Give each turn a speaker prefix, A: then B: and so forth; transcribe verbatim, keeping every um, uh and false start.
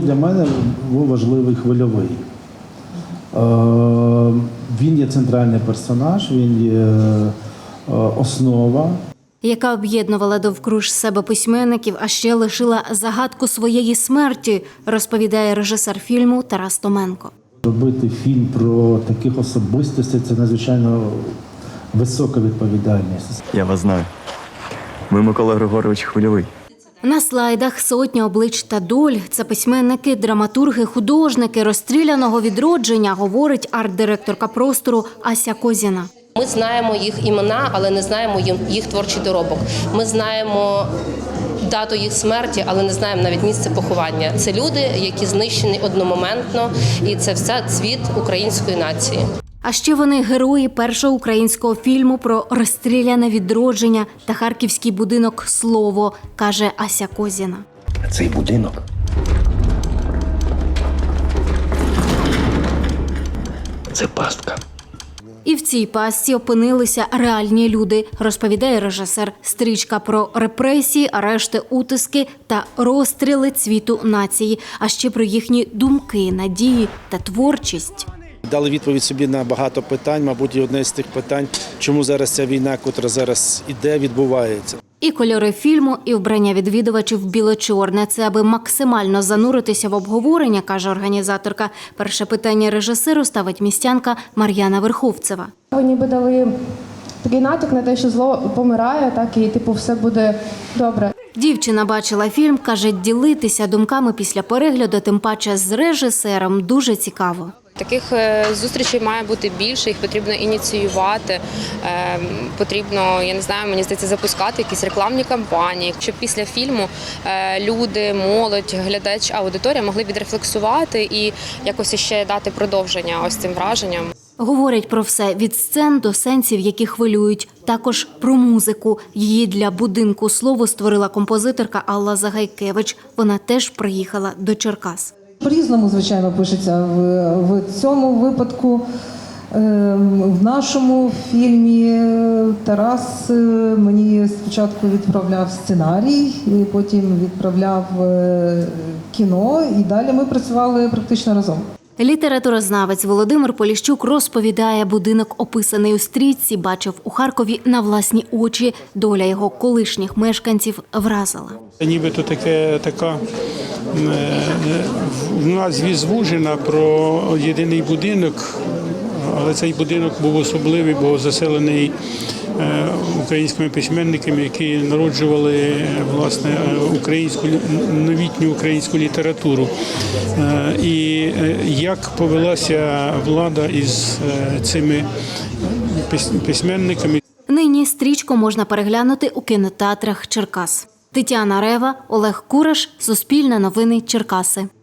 A: для мене був важливий Хвильовий. Він є центральний персонаж, він є основа.
B: Яка об'єднувала довкруж себе письменників, а ще лишила загадку своєї смерті, розповідає режисер фільму Тарас Томенко.
A: Робити фільм про таких особистостей – це надзвичайно висока відповідальність.
C: Я вас знаю. Ви Микола Григорович Хвильовий.
B: На слайдах сотня облич та доль. Це письменники, драматурги, художники розстріляного відродження, говорить арт-директорка простору Ася Козіна.
D: Ми знаємо їх імена, але не знаємо їх творчий доробок. Ми знаємо дату їх смерті, але не знаємо навіть місце поховання. Це люди, які знищені одномоментно, і це все цвіт української нації.
B: А ще вони герої першого українського фільму про розстріляне відродження та харківський будинок «Слово», каже Ася Козіна.
E: Цей будинок – це пастка.
B: І в цій пастці опинилися реальні люди, розповідає режисер. Стрічка про репресії, арешти, утиски та розстріли цвіту нації, а ще про їхні думки, надії та творчість.
F: Дали відповідь собі на багато питань, мабуть, і одне з тих питань, чому зараз ця війна, котра зараз іде, відбувається.
B: І кольори фільму, і вбрання відвідувачів біло-чорне. Це аби максимально зануритися в обговорення, каже організаторка. Перше питання режисеру ставить містянка Мар'яна Верховцева.
G: Ви ніби дали такий натяк на те, що зло помирає, так і типу все буде добре.
B: Дівчина бачила фільм, каже, ділитися думками після перегляду, тим паче з режисером, дуже цікаво.
H: Таких зустрічей має бути більше, їх потрібно ініціювати, потрібно, я не знаю, мені здається, запускати якісь рекламні кампанії, щоб після фільму люди, молодь, глядач, аудиторія могли відрефлексувати і якось ще дати продовження ось цим враженням.
B: Говорять про все від сцен до сенсів, які хвилюють. Також про музику. Її для будинку «Слово» створила композиторка Алла Загайкевич. Вона теж приїхала до Черкас.
I: По-різному, звичайно, пишеться в, в цьому випадку. В нашому фільмі Тарас мені спочатку відправляв сценарій, потім відправляв кіно, і далі ми працювали практично разом.
B: Літературознавець Володимир Поліщук розповідає, будинок, описаний у стрічці, бачив у Харкові на власні очі. Доля його колишніх мешканців вразила.
J: Нібито таке, така в назві звужена про єдиний будинок, але цей будинок був особливий, бо заселений українськими письменниками, які народжували власне українську новітню українську літературу. І як повелася влада із цими письменниками.
B: Нині стрічку можна переглянути у кінотеатрах Черкас. Тетяна Рева, Олег Кураш, Суспільне новини, Черкаси.